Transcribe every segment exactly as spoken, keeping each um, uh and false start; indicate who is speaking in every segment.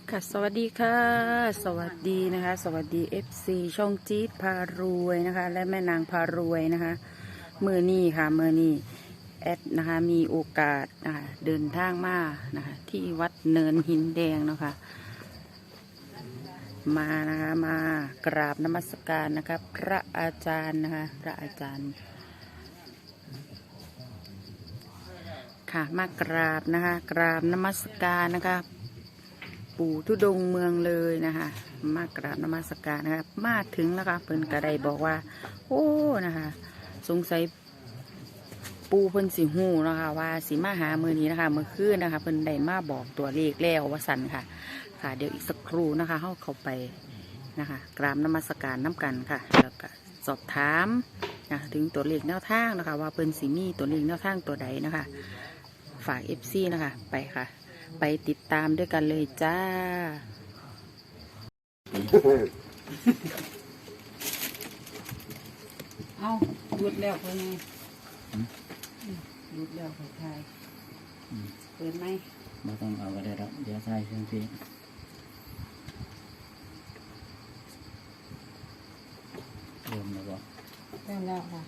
Speaker 1: ค่ะสวัสดีค่ะสวัสดีนะคะสวัสดี เอฟ ซี ช่องจี๊ดพารวยนะคะและแม่นางพารวยนะคะเมื่อนี้ค่ะเมื่อนี้แอดนะคะมีโอกาสนะคะเดินทางมานะคะที่วัดเนินหินแดงเนาะค่ะมานะคะมากราบนมัสการนะคะพระอาจารย์นะคะพระอาจารย์ค่ะมากราบนะคะกราบนมัสการนะคะปู่ทุดงเมืองเลยนะคะมากราบนมัสการนะคะมาถึงแล้วค่ะเพิ่นกระไดบอกว่าโอ้นะคะสงสัยปูเพิ่นสิหูนะคะว่าสิมาหามือนี้นะคะเมื่อคืนนะคะเพิ่นได้มาบอกตัวเลขแล้วว่าสันค่ะค่ะเดี๋ยวอีกสักครู่นะคะเข้าเข้าไปนะคะกราบนมัสการน้ำกันค่ะแล้วก็สอบถามนะถึงตัวเลขแนวทางนะคะว่าเพิ่นสิมีตัวเลขแนวทางตัวใดนะคะฝาก เอฟ ซี นะคะไปค่ะไปติดตามด้วยกันเลยจ้าเอาหยุดแล้วคนนี้หยุดแล้วคนไทยเปิดไหม
Speaker 2: ไม่ต้องเอาก็ได้หรอกเดี๋ยวใส่เครื่องพี่เริ่มแล้วบอก
Speaker 1: เริ่มแล้วค่ะ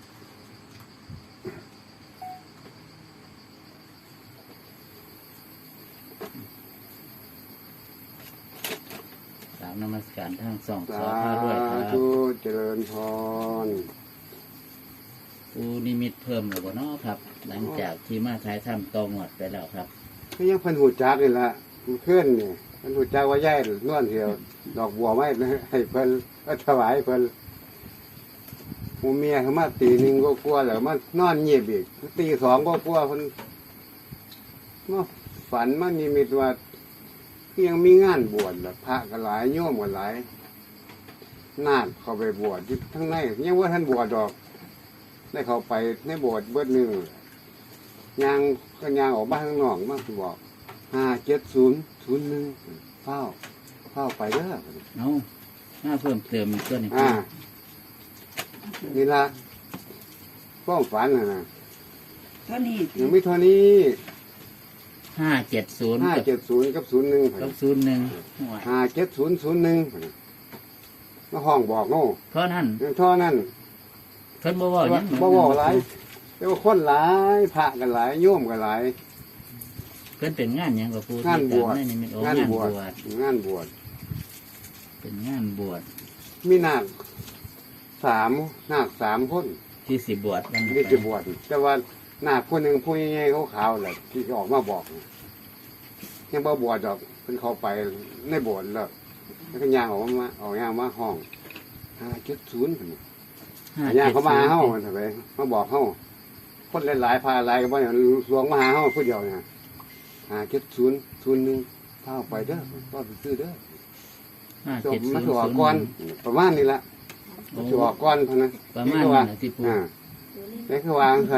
Speaker 2: สามนมัสการทั้งสองส
Speaker 3: สา
Speaker 2: อพารวยครับ
Speaker 3: ธุเจริญพร
Speaker 2: ปูนิมิตเพิ่มหรือเปล่าเนาะครับ หลังจากที่มาใช้ทำตองหมดไปแล้วครับ
Speaker 3: ก็ยังเพิ่นหูจักนี่ละมันเคลื่อนนี่เพิ่นหูจักว่าย่ายนวลเหี่ยวดอกบัวไม้ให้เพิ่นก็ถวายเพิ่นหมูเมียเขามาตีหนึ่งก็กลัวแล้วมานอนเงียบอีกตีสองก็กลัวเพิ่นมาฝันมันนิมิตว่ายังมีงานบวชละพระก็หลายโยมก็หลายนาคเข้าไปบวชที่ทั้งในยังว่าท่านบวชดอกได้เข้าไปในโบสถ์เบิดหนึ่งยางก็ยางออกบ้านข้างนอกมาบอกห้าเจ็ดศูนย์ศูนย์หนึ่งเฝ้าเฝ้าไปเด้อ
Speaker 2: เอาหน้าเพิ่มเติมอีกตัวหนึง
Speaker 3: อ่านี่ละฟ้องฝันนะนะ
Speaker 1: เท่านี้
Speaker 3: ยังไม่เท่านี้
Speaker 2: ห้าเจ็ดศูนย์
Speaker 3: ห้าเจ็ดศูนย์กับศูนย์หนึ่ง
Speaker 2: กับศูนย์หนึ่ง
Speaker 3: ห้าเจ็ดศูนย์ศูนย์หนึ่งมาห้องบอกโน่
Speaker 2: เพราะนั่น
Speaker 3: ท่อนั่น
Speaker 2: เพิ่นบ่เว่าหยัง
Speaker 3: บ่บ่หลายแต่ว่าคนหลายพระกันหลายโยมกันหลาย
Speaker 2: เพิ่นเป็นงานหยังกับปู
Speaker 3: งานบวช
Speaker 2: ที่จำได้นี่มันโอ้
Speaker 3: งาน
Speaker 2: งาน
Speaker 3: บบ ว
Speaker 2: ว
Speaker 3: ช
Speaker 2: ช
Speaker 3: งานบวช
Speaker 2: เป็นงานบวช
Speaker 3: มีนาคสามนาคสามคน
Speaker 2: ที่สิบบวชกัน
Speaker 3: ที่จะบวชแต่ว่านาคคนหนึ่งผู้ใหญ่ๆขาวๆแหละที่ออกมาบอกยังบ่บวชดอกเพิ่นเข้าไปในโบสถ์แล้วแล้วก็ย่างออกมาออกย่างมาห้องห้าเจ็ดศูนย์ย่างเขามาเฮ้าทำไมมาบอกเฮ้าคนหลายๆพาหลายก็บ่เนี่ยหลวงมาหาเฮ้าผู้เดียวเนี่ยห้าเจ็ดศูนย์ศูนย์หนึ่งเข้าไปเด้อก็ไปซื้อเด้อ
Speaker 2: ห้า
Speaker 3: จ
Speaker 2: เจ็
Speaker 3: บ
Speaker 2: ดศู
Speaker 3: มาน
Speaker 2: ย์
Speaker 3: ถือออก
Speaker 2: ศูนย์
Speaker 3: ก่อน
Speaker 2: หนึ่ง
Speaker 3: ประมาณนี้ละ
Speaker 2: โอ้
Speaker 3: ถือออกก่อนเท่านั้น
Speaker 2: ประมาณนั้นนะที่ปู
Speaker 3: อ่านี่คือวางท่าน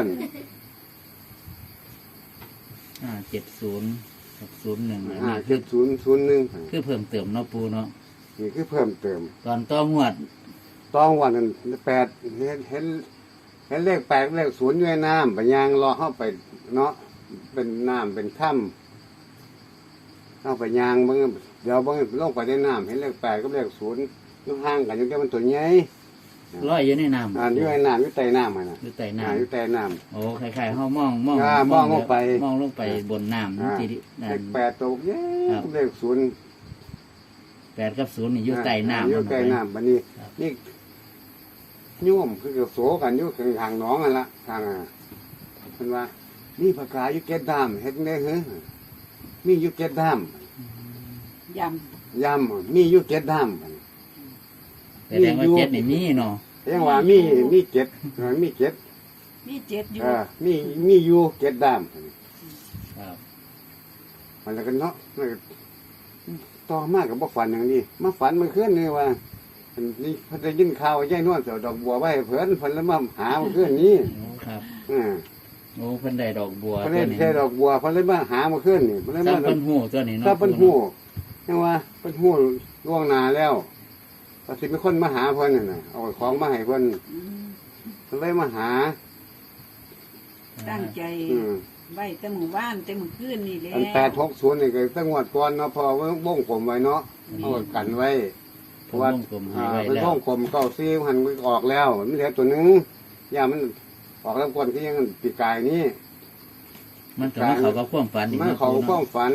Speaker 2: ห้าเจ็ดศูนย์กับศูนย์หนึ่งอัน
Speaker 3: ห้า
Speaker 2: นี้คื
Speaker 3: เจ็
Speaker 2: อ
Speaker 3: ดศูนย์ศูนย์หนึ่ง
Speaker 2: คือเพิ่มเติมเนาะปูเนาะ
Speaker 3: นี่คือเพิ่มเติม
Speaker 2: ตอนต้องงวด
Speaker 3: ต้องวันนั้นแปดเห็นเห็นเห็นเลขแปดเลขศูนย์อยู่ในน้ำไปยางรอเข้าไปเนาะเป็นน้ำเป็นถ้ำเข้าไปยางบางเดี๋ยวบางลงไปในน้ำเห็นเลขแปดกับเลขศูนย์อยู่ห่างกันอยู่แค่มันตัวใหญ่
Speaker 2: ลอยอยู่ในน้ำ
Speaker 3: อ่าอยู่ในน้ำอยู่ใต้น้ำมันนะ
Speaker 2: อยู่ใต้
Speaker 3: อ่าอยู่
Speaker 2: น้ำ
Speaker 3: ใต้น้
Speaker 2: โอ้คล้ายๆเขามองมอง
Speaker 3: อ่ามองลงไป
Speaker 2: มองลงไปบนน้ำ
Speaker 3: อ่า
Speaker 2: ที
Speaker 3: ำ
Speaker 2: นั่
Speaker 3: เล
Speaker 2: น
Speaker 3: ขแปดตัวใหญ่
Speaker 2: ครับ
Speaker 3: เลขศูนย์
Speaker 2: แปดกับศูนย์นี่อยู่ใต้น้ำ
Speaker 3: อยู่ใต้น้ำบันนี้
Speaker 2: ครับ
Speaker 3: นี่โย่มคือเกี่ยวโสกันอยู่ข้างทางหน้องกันละทางอ่ะเพิ่นว่านี่ปากกาอยู่เก็ดดามเฮ็ดได้เหรอมีอยู่เก็ดดาม
Speaker 1: ย
Speaker 3: ยำมีอยู่เก็ดดาม
Speaker 2: แสดงว่าเจ็ดนี่มีเนาะ
Speaker 3: เรียกว่ามีมีเก็ดเออมีเก็ด
Speaker 1: ำมีเจ็ดอยู่
Speaker 3: เออมีมีอยู่เก็ดดาม
Speaker 2: ครับ
Speaker 3: มันแล้วกันเนาะมันก็ต่อมากับบ่ฝันอย่างนี้มาฝันเมื่อคืนนี่ว่าอันนี่เพิ่นได้ยินข่าวว่ายายนวลเสียวดอกบัวไว้ให้เพิ่นเพิ่นแล้วมาหาเมื่อคืนนี้
Speaker 2: โอ้ครับ
Speaker 3: อ่า
Speaker 2: โอ้เพิ่นได้ดอกบัว
Speaker 3: เพิ่น
Speaker 2: ตัว
Speaker 3: เล่น
Speaker 2: นี้
Speaker 3: แค่ดอกบัวเพิ่นเลยมาหาเมื่อคืนนี่เพิ่นเลย
Speaker 2: ถ้า
Speaker 3: มา
Speaker 2: เพิ่นหูตัวนี้เนาะ
Speaker 3: ถ้าเพิ่นฮู้ยังว่าเพิ่นฮู้ล่วงหน้าแล้วก็สิมีคนมาหาเพิ่นน่ะนะเอาของมาให้เพิ่น
Speaker 1: อืม
Speaker 3: เพิ่นเลยมาหา
Speaker 1: ตั้งใจ
Speaker 3: อืม
Speaker 4: ไว้แต่หมู่บ้านแต่หมู่คืนนี่แหละ
Speaker 3: อันแปดหกศูนย์นี่ก็ตั้งงวดก่อนเนาะพอวงกลมไว้เนาะเอากันไว้เพราะว่า
Speaker 2: ผมวงกลมให้
Speaker 3: อ่า
Speaker 2: ไว้
Speaker 3: เป็น
Speaker 2: แล้ว
Speaker 3: วงกลมเก้าซี่หันมันออกแล้วมันเหลือตัวหนึงย่ามันออกแล้วก่อนที่ยังปีกายนี้
Speaker 2: มันก็มาเขากับความฝันอีก
Speaker 3: มัน
Speaker 2: นะ
Speaker 3: เขา
Speaker 2: ปู
Speaker 3: ความ
Speaker 2: เนาะ
Speaker 3: ฝัน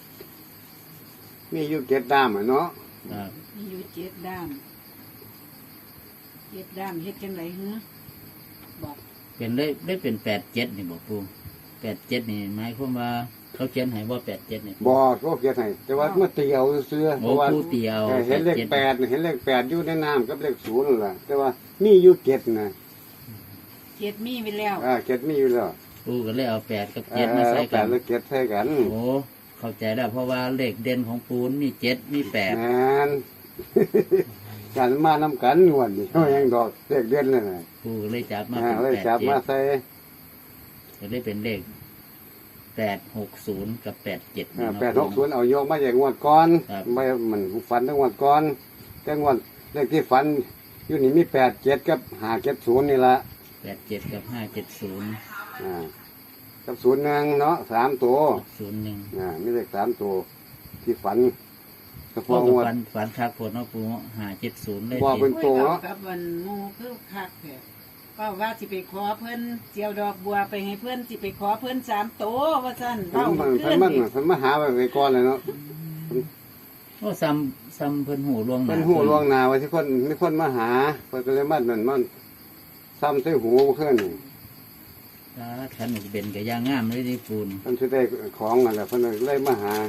Speaker 3: มีอยู่เจ็ดด้ามอะเนาะ
Speaker 2: ครับ
Speaker 4: มีอยู่เจ็ดด้ามเจ็ดด้ามเฮ็ดจังไรเฮ้อบอก
Speaker 2: เป็นได้ได้เป็นแปดเจ็ดนี่บอกปูแปดเจ็ดนี่หมายความว่าเขาเขียนให้ว่าแปดเจ็ดนี่
Speaker 3: บอก็เกียรให้แต่ว่าเมื่อเตียวเสื้อเพ
Speaker 2: โอ้
Speaker 3: ราะว่า
Speaker 2: ผู้เตียว
Speaker 3: เออเห็นเลข
Speaker 2: จ็ด
Speaker 3: แปดเห็นเลขแปดอยู่ในน้ำกับเลขศูนย์นั่นแหละแต่ว่ามีอยู่เจ็ดนะ
Speaker 4: เจ็ดมีไปแล้ว
Speaker 3: อ่าเจ็ดมีอยู่แล้ว
Speaker 2: ปูก็เลยเอาแปดกับ
Speaker 3: เอ
Speaker 2: เจ็ดมา
Speaker 3: อ
Speaker 2: ใส่
Speaker 3: แป
Speaker 2: กั
Speaker 3: ด
Speaker 2: น
Speaker 3: เลขเจ็ดใส่กัน
Speaker 2: โอ้เข้าใจแล้วเพราะว่าเลขเด่นของปูนมีเจ็ดมีแปด
Speaker 3: แมน การมาน้ำกันงวดนี่เขายังดอกเลขเด่นเลยนะ
Speaker 2: ปูก็เลยจับมา
Speaker 3: อ่า
Speaker 2: เป็น
Speaker 3: เลย
Speaker 2: แปด
Speaker 3: จับ
Speaker 2: เจ็
Speaker 3: มา
Speaker 2: ด
Speaker 3: ใส่
Speaker 2: ก็เลยเป็นเลขแปดหกศูนย์กับแปดเจ็ด
Speaker 3: อ่าแปดหกศูนย์เอาโยกมาจากงวดก่อน
Speaker 2: ครับ
Speaker 3: ไม่มันฝันทั้งงวดก่อนแต่งวดเลขที่ฝันอยู่นี่มีแปดเจ็ดกับห้าเจ็ดศูนย์นี่ละ
Speaker 2: แปดเจ็ดกับห้าเจ็ดศูนย์
Speaker 3: อ่ากับศูนย์หนึ่งเนาะสามตัว
Speaker 2: ศูนย์หนึ่ง
Speaker 3: อ่ามีเลขสามตัวที่ฝันเฉ
Speaker 2: พ่อ
Speaker 3: พาะ
Speaker 2: กับ
Speaker 3: งวด
Speaker 2: ฝันฝันคักโพดเนาะปูห้าเจ็ดศูนย์ได้
Speaker 3: ว่า
Speaker 2: เจ็
Speaker 3: เป็
Speaker 2: ด
Speaker 3: น ตัวเนาะ
Speaker 4: กับวันหมูคือคักแท้ก็ว่าสิไปขอเพิ่นเจียวดอกบัวไปให้เพิ่นสิไปขอเพิ่นสามโตว่าซั่น
Speaker 3: มั
Speaker 4: เว้าน
Speaker 3: มัน
Speaker 4: ขึ้น
Speaker 3: มัน
Speaker 4: นี่
Speaker 3: มันมาหาไปไว้ก่อนเลยเนาะ
Speaker 2: โอ้ซ้ำซ้ำเพิ่นหูลวงห
Speaker 3: เป็
Speaker 2: น้าน
Speaker 3: หูลวงหนาไว้ที่คนมีคนมาหาเพิ่นก็เลยมันมันมันซ้ำใส่หูเพื่อนนี่
Speaker 2: ถ้าขันเป็นกับยางงามเลยที่ปูน
Speaker 3: เพิ่นสิได้ของนั่นแหละเพิ่นเลยมาหา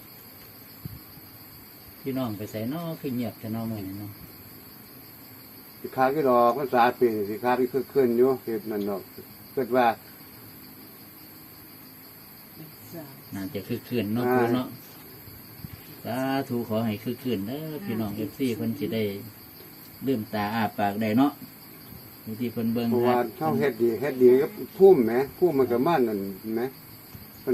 Speaker 2: พี่น้องไปใส่เนอคือเงียบแต่เนอมือนี่เนาะ
Speaker 3: สิขาดกี่ดอกภาษาปีนี่สิขาดที่คือขึ้นอยู่เฮ็ดนั่นดอกเกิดว่า
Speaker 2: น่าจะคือคืนเนาะปูเนาะสาธุขอให้คือคืนเด้อพี่น้องเอฟซีเพิ่นสิได้ลืมตาอ้าปากได้เนาะวิธีเพิ่นเบิ่ง
Speaker 3: เพราะ
Speaker 2: ค
Speaker 3: ว่า
Speaker 2: รับ
Speaker 3: เฮาเฮ็ดดีเฮ็ดดีกับพุ่มแหมพุ่มมันก็มานั่นแหมมัน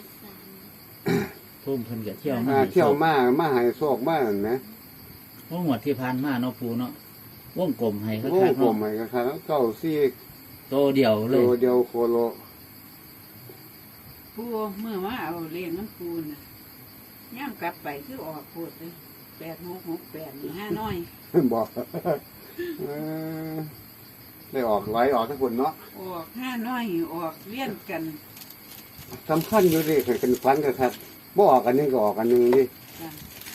Speaker 2: พุ่มเพิ่นก็เที่ยวมา
Speaker 3: อ่าเที่ยวมามาให้โชคมานั่นแหม
Speaker 2: โอ้งวดที่ผ่านมาเนาะปูเนาะวงกลมให้คัก
Speaker 3: โอ้
Speaker 2: ๆ
Speaker 3: ผม
Speaker 2: เนาะ
Speaker 3: ให้ก็ครับเก้าซี่
Speaker 2: โตเดียวเล
Speaker 3: โล
Speaker 2: ย
Speaker 3: เดียวโคโล
Speaker 4: ปูเมื่อว่าเอาเลี้ยงน้ำปูน่ะย่ามกลับไปคือออกโพดเลยแปดหกหกแปดนี่ห้าน้อย
Speaker 3: บอกเออได้ออกไหลออกทั้งคนเนาะ
Speaker 4: ออกห้าน้อยออกเลี้ยนกัน
Speaker 3: สำคัญอยู่ดิเคยเป็นฟันกันครับบ่ออกอันหนึงก็ออกอันหนึงดิ
Speaker 4: จ้ะ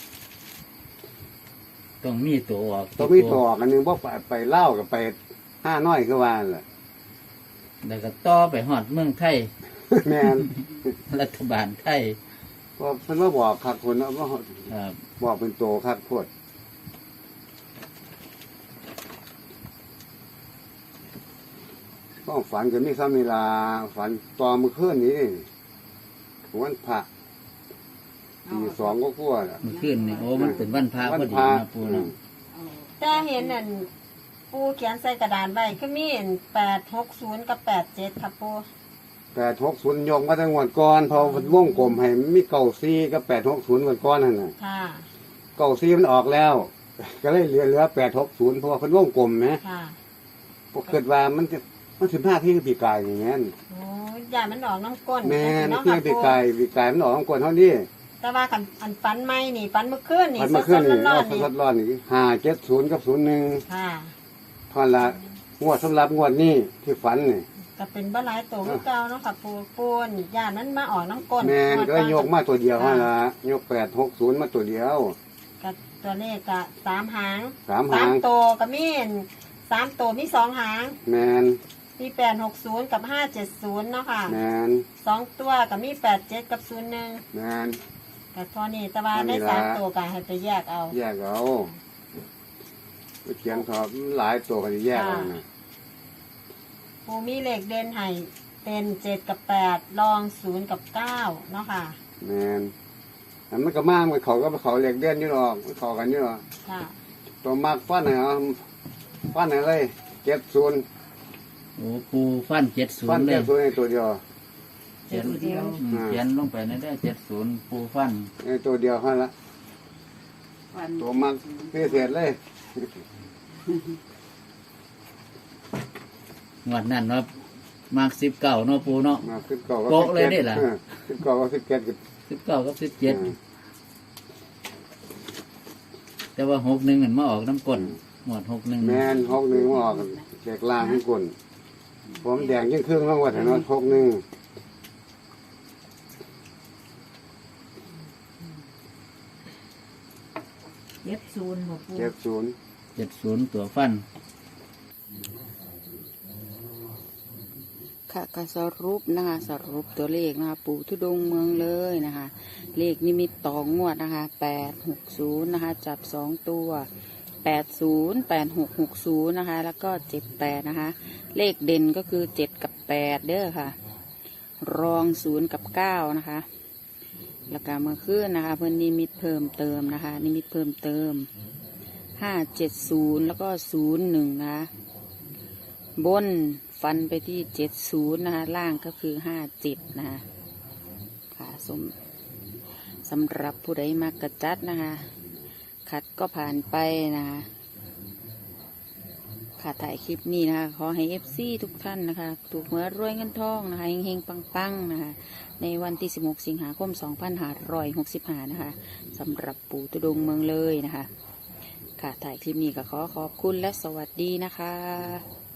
Speaker 2: ต้องมีตัวออก
Speaker 3: ต้องมีต่อออกอันหนึงบ่ไปไปเล่าวกับไปห้าน้อยก็ว่านั่นแหละ
Speaker 2: แล้วก็ต่อไปฮอดเมืองไทย
Speaker 3: แม่น
Speaker 2: รัฐบาลไทย
Speaker 3: พอเพิ่นมาบอกคักคนเนาะว่า
Speaker 2: ครับ
Speaker 3: บอกเป็นโตคักโพดก็ฝันก็มีซ้ำเวลาฝันตอนมื้อคืนนี้นี่วันพระตีสองก็กลัวน่ะ
Speaker 2: เมื่อคืนนี่โอ้มันเป็นวันพระ
Speaker 3: วั
Speaker 2: พอดี
Speaker 3: พระ
Speaker 2: นะปูเนาะ
Speaker 4: เอา
Speaker 5: แต่เห็นนั่นปูเขียนใส่กระดานไว้ก็มีแปดหกศูนย์กับแปดเจ็ดครับปู
Speaker 3: แปดหกศูนย์ยกมาตั้งวันก่อนพอมันวงกลมให้มีเก้าซีกับแปดหกศูนย์วันก่อนนั่นน่ะ
Speaker 5: ค่ะ
Speaker 3: เก้าซีมันออกแล้ว ก็เลยเหลือเหลือแปดหกศูนย์เพราะว่าเพิ่นวงกลมนะ
Speaker 5: ค่ะ
Speaker 3: พวกเกิดว่ามันจะมันสิบห้าที่ปีกายอย่างงั้น
Speaker 5: โอ้ยอย่ามันออกน้ำก้น
Speaker 3: แม่น
Speaker 5: เนาะ
Speaker 3: ที่
Speaker 5: ค่ะ
Speaker 3: ปี
Speaker 5: ปู
Speaker 3: กายปีกายมันออกของกลเท่านี้
Speaker 5: แต่ว่ากันอันฟันไม่นี่ฟันเมื่อคืนนี่
Speaker 3: พันมาขึ้นนี่
Speaker 5: ร้
Speaker 3: เรา
Speaker 5: อนๆนี่
Speaker 3: ทดลองนี่ห้าเจ็ดศูนย์กับศูนย์หนึ่ง
Speaker 5: ค่ะ
Speaker 3: ทอนละงวดสำหรับงวดนี้ที่ฝันนี่
Speaker 5: ก็เป็นบ้าหลายตัวคือเก่าเนาะค่ะปูปูนอย่ามันมาออกน้ำก้น
Speaker 3: แม่นก็ยกมาตัวเดียว
Speaker 5: ค่ะ
Speaker 3: ฮะละยกแปดหกศูนย์มาตัวเดียว
Speaker 5: กับตัวเลขกะสามหาง
Speaker 3: สามหาง
Speaker 5: ตัวก็มีสามตัวมีสองหาง
Speaker 3: แมน
Speaker 5: มีแปดหกศูนย์กับห้าเจ็ดศูนย์เนาะค่ะ
Speaker 3: แมน
Speaker 5: สองตัวก็มีแปดเจ็ดกับศูนย์หนึ่ง
Speaker 3: แมน
Speaker 5: กับทอนี้แต่ว่า
Speaker 3: อันนี้
Speaker 5: ได้
Speaker 3: ล่ะ
Speaker 5: สามตัวก็ให้ไปแยกเอา
Speaker 3: แยกเอาไปเขียนสอบหลายตัวก็จะแยกเอานะ
Speaker 5: ปูมีเลขเด่นให้เป็นเจ็ดกับแปดรองศูนย์กับเก้าเนาะค่ะ
Speaker 3: แมนอันมันก็มากมันเขาก็เขาเรียกเด่นอยู่หรอกมันเขากันอยู่หรอก
Speaker 5: ค่ะ
Speaker 3: ตัวมากฟันเหรอฟันอะไรเจ็ดศูนย์
Speaker 2: โอ้ปูฟันเจ็ดศู
Speaker 3: ฟั
Speaker 2: น
Speaker 3: น
Speaker 2: ย์เล
Speaker 3: เจ็
Speaker 2: ย
Speaker 3: ดศูนย์ในตัวเดียว
Speaker 2: เขียน
Speaker 4: เดียว
Speaker 2: อืมเขียนลงไปในได้เจ็ดศูนย์ปูฟัน
Speaker 3: ในตัวเดียวเท่านั้นละ
Speaker 4: ฟัน
Speaker 3: ตัวมากพิเศษเลย
Speaker 2: งวดนั้นว่ามากสิบเก้าเนาะปูเนาะ
Speaker 3: มาสิบเก้าก็
Speaker 2: โป๊ะเลยนี่ล่ะ
Speaker 3: สิบเก้าก็สิบเจ็ดก็
Speaker 2: สิบเก้ากับสิบเจ็ดแต่ว่าหกหนึ่งเห็นมาออกน้ำก้นหมวดหกหนึ่ง
Speaker 3: แม่นหกหนึ่งมาออกแจกลางทุกคนผมแดงยิ่งครึ่งต้องวัดเนาะหกหนึ่ง
Speaker 4: เจ็ดศูนย์บ่ปู
Speaker 3: เจ็ดศูนย์
Speaker 2: เจ็ดศูนย์ตัวฟัน
Speaker 1: ค่ะก็สรุปนะคะสรุปตัวเลขนะคะปู่ทุดงค์เมืองเลยนะคะ เลขนิมิตต่องวดนะคะแปดหกศูนย์นะคะ จับสองตัวแปดศูนย์แปดหกหกศูนย์นะคะ แล้วก็เจ็ดแปดนะคะ เลขเด่นก็คือเจ็ดกับแปดเด้อค่ะ รองศูนย์กับเก้านะคะ แล้วก็เมื่อคืนนะคะ เพิ่นนิมิตเพิ่มเติมนะคะ นิมิตเพิ่มเติมห้าเจ็ดศูนย์แล้วก็ศูนย์หนึ่งนะคะบนฟันไปที่เจ็ดศูนย์นะคะ ล่างก็คือห้าเจ็ดนะคะค่ะสมสำหรับผู้ใดมากกระจัดนะคะ ขัดก็ผ่านไปนะคะค่ะถ่ายคลิปนี้นะคะ ขอให้เอฟซีทุกท่านนะคะ ถูกหวยรวยเงินทองนะคะเฮงๆปังๆนะคะ ในวันที่สิบหกสิงหาคมสองพันห้าร้อยหกสิบห้านะคะสำหรับปู่ทุดงค์เมืองเลยนะคะ ค่ะถ่ายคลิปนี้ก็ขอขอบคุณและสวัสดีนะคะ